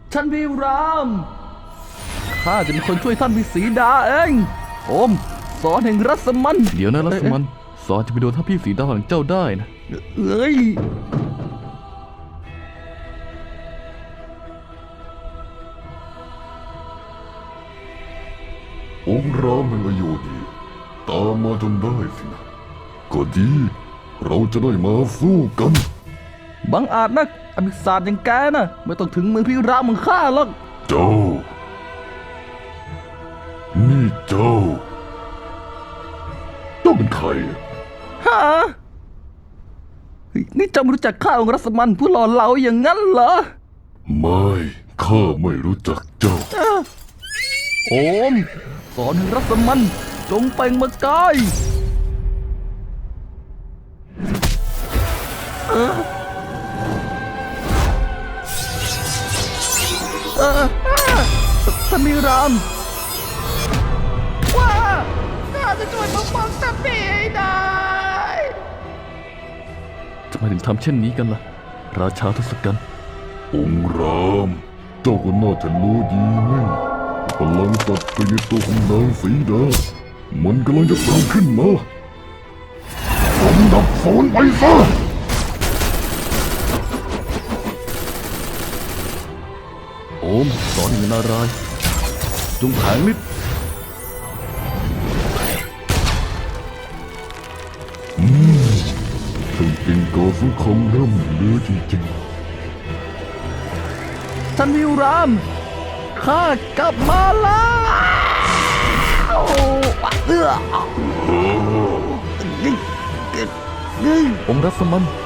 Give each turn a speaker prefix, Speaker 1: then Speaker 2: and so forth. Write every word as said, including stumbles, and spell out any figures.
Speaker 1: ท่านพี่รามข้าจะเป็นคนช่วยท่านพี่สีดาเองโอมสอนแห่งรัศมัน
Speaker 2: เดี๋ยวนะรัศมันสอนจะไปโดนท่านพี่สีดาของเจ้าได้นะ
Speaker 1: เอ้ย
Speaker 3: องค์รามแห่งอโยธีตามมาจนได้สินะก็ดีเราจะได้มาสู้กัน
Speaker 1: บังอาจนักอภิศาสตร์อย่างแกนะไม่ต้องถึงมือพี่รามของข้าหรอก
Speaker 3: เจ้านี่เจ้าเจ้าเป็นใคร
Speaker 1: ฮะเฮ้ยนี่เจ้าไม่รู้จักข้าองค์รัศมันผู้หล่อเหลาอย่างนั้นเหรอ
Speaker 3: ไม่ข้าไม่รู้จักเจ้า
Speaker 1: โอมสอนแห่งรัศมันจงเปล่งประกายเออเออท่านพี่รามว้าข้าจะช่วยปกป้องท่านพี่ให้ได้
Speaker 2: ทำไมถึงทำเช่นนี้กันล่ะราชาทศกัณฐ์
Speaker 3: องค์รามเจ้าก็น่าจะรู้ดีนี่พลังศักดิ์ในตัวของนางสีดามันกำลังจะสร้างขึ้นมาจงดับศูนย์ไปซะ
Speaker 2: โอมสอนแห่งนารายณ์จงแผงฤทธิ์
Speaker 3: อืมถึงเป็นกอสุขของร่ำเหลือจริง
Speaker 1: ๆท่านวิวรามข้ากลับมาแล้วเอื้อ
Speaker 2: องค์รัศมัน